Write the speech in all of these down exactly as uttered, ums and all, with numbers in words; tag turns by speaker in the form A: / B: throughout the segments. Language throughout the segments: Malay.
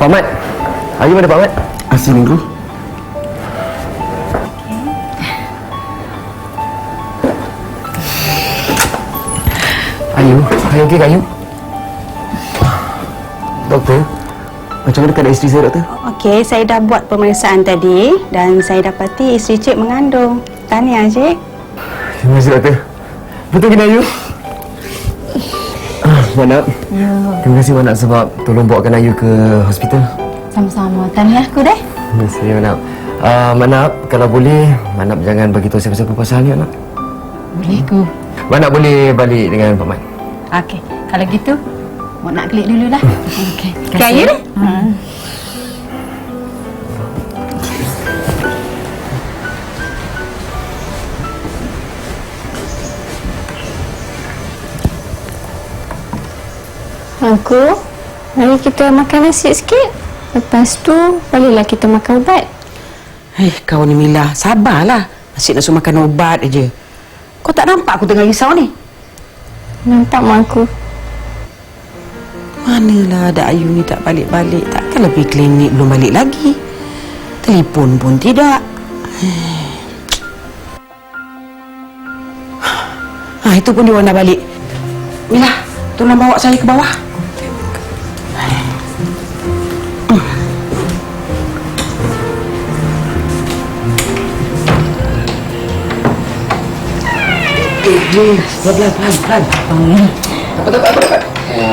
A: Pak Mat. Ayu mana Pak Mat?
B: Asli minggu.
A: Ayu, Ayu okey ke Ayu? Doktor, macam mana keadaan isteri saya, doktor?
C: Okey, saya dah buat pemeriksaan tadi dan saya dapati isteri cik mengandung. Tahniah, cik.
A: Terima kasih, doktor. Betul ke Ayu? Ah, Manap.
D: Ya.
A: Terima kasih Manap sebab tolong bawakan Ayu ke hospital.
D: Sama-sama. Tahniah aku deh.
A: Terima kasih Manap. Uh, Manap, kalau boleh, Manap jangan bagi tahu siapa-siapa pasal ni, Manap.
D: Boleh ku.
A: Manap boleh balik dengan Pak Mat.
D: Okey. Kalau gitu, mau nak klik dululah. Okey.
C: Kak Ayu ni?
D: Hmm.
E: Aku, mari kita makan nasi sikit. Lepas tu, baliklah kita makan ubat.
F: Eh, kau ni Mila, sabarlah. Asyik nak suruh makan ubat aja. Kau tak nampak aku tengah risau ni?
E: Nampak mak aku.
F: Manalah ada Ayu ni tak balik-balik. Takkanlah pergi klinik belum balik lagi. Telefon pun tidak. Ah, itu pun dia orang dah balik. Mila, tolong bawa saya ke bawah. Eh, eh, pelan-pelan, pelan-pelan. Hmm. Dapat, dapat, dapat, dapat.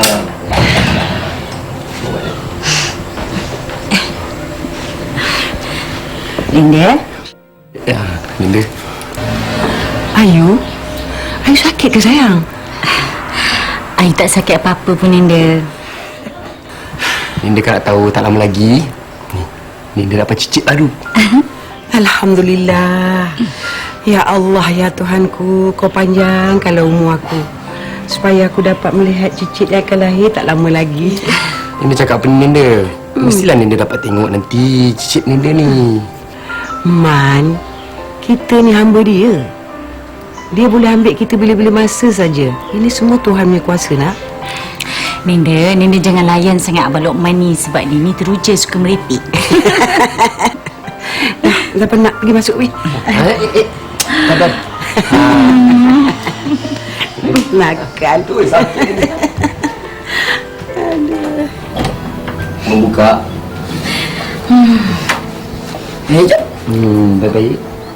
D: Linda?
A: Ya, Linda.
F: Ayu? Ayu sakit ke sayang?
D: Ayu tak sakit apa-apa pun, Linda.
A: Linda kan nak tahu tak lama lagi. Ni, Linda dapat cicit baru.
F: Alhamdulillah. Ya Allah, ya Tuhanku, kau panjangkanlah umur aku supaya aku dapat melihat cicit yang akan lahir tak lama lagi.
A: Linda cakap apa ni, Linda? Hmm. Mestilah Linda dapat tengok nanti cicit Linda ni.
F: Man, kita ni hamba dia. Dia boleh ambil kita bila-bila masa saja. Ini semua Tuhan punya kuasa, nak.
D: Linda, Linda jangan layan sangat Abang Lokman ni sebab dia ni teruja suka merepek.
F: Dah, dah penat pergi masuk, weh.
A: Eh, eh, eh. Sabar.
F: Nakal.
A: Tu sakit ni.
F: Aduh.
A: Membuka. Hmm. Eh, jap. Hmm, baik-baik.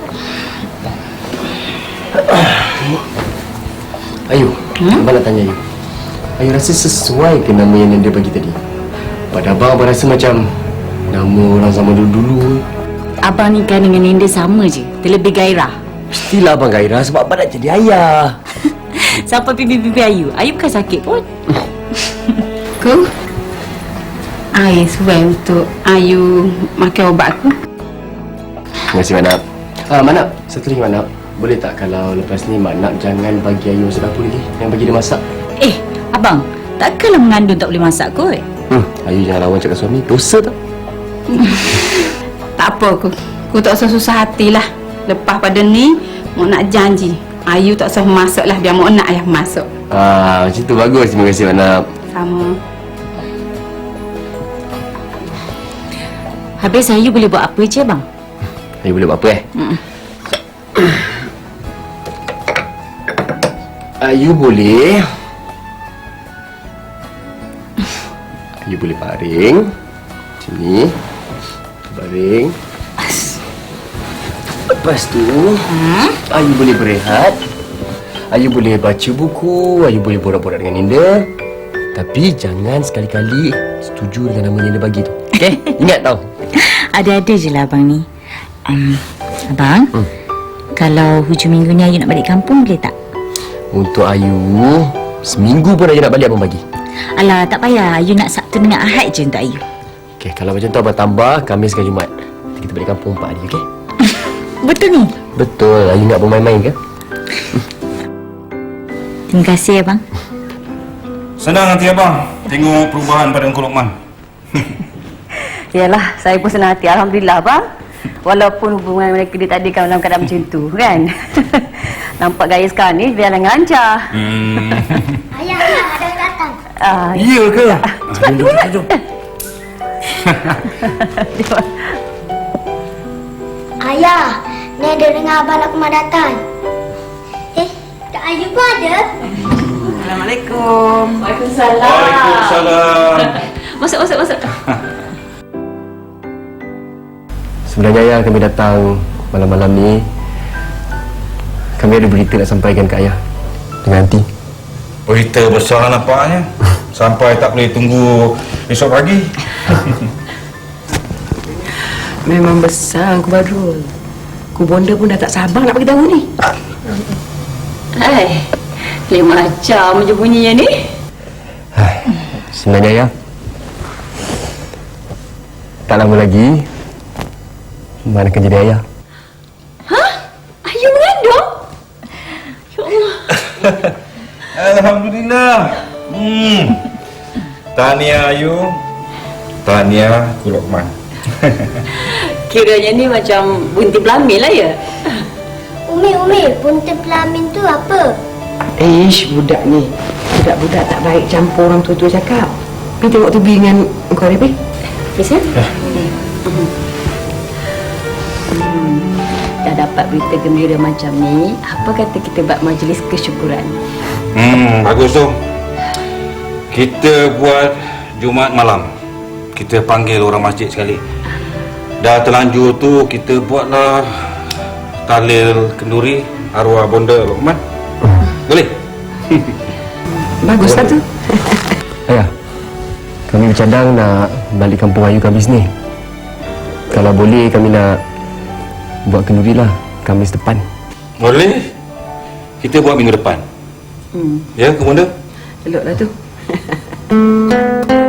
A: Ayu, hmm? Abang nak tanya Ayu. Ayu rasa sesuai ke nama yang Linda bagi tadi? Pada abang, abang rasa macam nama orang zaman dulu-dulu.
D: Abang ni kan dengan Linda sama je. Terlebih gairah.
A: Mestilah abang gairah sebab abang nak jadi ayah.
D: Sampai pipi-pipi Ayu. Ayu bukan sakit pun.
C: Ku, I swear untuk Ayu makan ubat aku.
A: Terima kasih, Manap. Ah, Manap, satu lagi Manap. Boleh tak kalau lepas ni Manap jangan bagi Ayu masuk dapur lagi? Yang bagi dia masak.
D: Eh, Abang, takkanlah mengandung tak boleh masak kot?
A: Hmm, Ayu jangan lawan cakap suami. Dosa tak?
C: Tak apa aku. Aku tak usah susah hatilah. Lepas pada ni, mau nak janji. Ayu tak usah masuk lah. Biar mau nak yang masuk.
A: Ah, macam tu bagus. Terima kasih, Manap.
C: Sama.
D: Habis Ayu boleh buat apa je, Abang?
A: Ayu boleh buat apa eh?
D: Mm.
A: Ayu boleh Ayu boleh baring macam ni. Baring. Lepas tu hmm? Ayu boleh berehat. Ayu boleh baca buku. Ayu boleh borak-borak dengan Linda. Tapi jangan sekali-kali setuju dengan nama Linda bagi tu. Okey? Ingat tau.
D: Ada-ada je lah Abang ni. um, Abang, hmm. kalau hujung minggu ni Ayu nak balik kampung boleh tak?
A: Untuk Ayu, seminggu pun Ayu nak balik abang bagi.
D: Alah, tak payah. Ayu nak Sabtu dengan Ahad je untuk Ayu.
A: Okey, kalau macam tu abang tambah Khamis dengan Jumaat. Nanti kita balik kampung empat hari, okey?
D: Betul ni?
A: Betul. Ayu nak bermain-main ke?
D: Terima kasih Abang.
B: Senang hati abang tengok perubahan pada Engkau Lokman.
G: Yalah, saya pun senang hati. Alhamdulillah, Abang. Walaupun hubungan mereka dia tadi kan dalam keadaan macam tu, kan? Nampak gaya sekarang ni berjalan lancar.
B: Hmm.
H: Ayah, ayah, ada yang datang.
G: Ah,
B: Iya ke?
G: cepat,
B: Jom, jom,
G: cepat.
B: jom.
H: Ayah, ni ada dengar abang nak kemah datang. Eh, Kak Ayu pun ada?
F: Assalamualaikum.
B: Waalaikumsalam.
C: Masuk, masuk, masuk.
A: Sebenarnya ayah kami datang malam-malam ni. Kami ada berita nak sampaikan ke ayah dengan aunty.
B: Berita besar nampaknya. Sampai tak boleh tunggu esok pagi.
F: Memang besar Ku Badrul. Ku Bonda pun dah tak sabar nak bagi tahu ni.
G: Hai, lain macam je bunyinya ni.
A: Hai, sebenarnya ayah, tak lama lagi mana akan jadi ayah.
G: Hah? Ayu mengandung? Ya Allah.
B: Alhamdulillah. Hmm. Tahniah Ayu. Tahniah Ku Lokman.
G: Kiranya ni macam bunti pelamin lah ya?
H: Umi, Umi, bunta pelamin tu apa?
F: Ish, budak ni. Budak-budak tak baik campur orang tua-tua cakap. Pergi tengok T V dengan kau ni, pergi.
G: Yes, ya? Hmm. Dah dapat berita gembira macam ni, apa kata kita buat majlis kesyukuran?
B: Hmm, bagus tu. Kita buat Jumaat malam. Kita panggil orang masjid sekali. Dah terlanjur tu kita buatlah tahlil kenduri arwah Bonda Lokman. Boleh?
F: Baguslah tu.
A: Ayah, kami bercadang nak balik kampung Ayu Khamis ni. Kalau boleh kami nak buat kenduri lah Khamis depan.
B: Boleh? Kita buat minggu depan.
G: Hmm.
B: Ya, Ku Bonda?
F: Eloklah tu.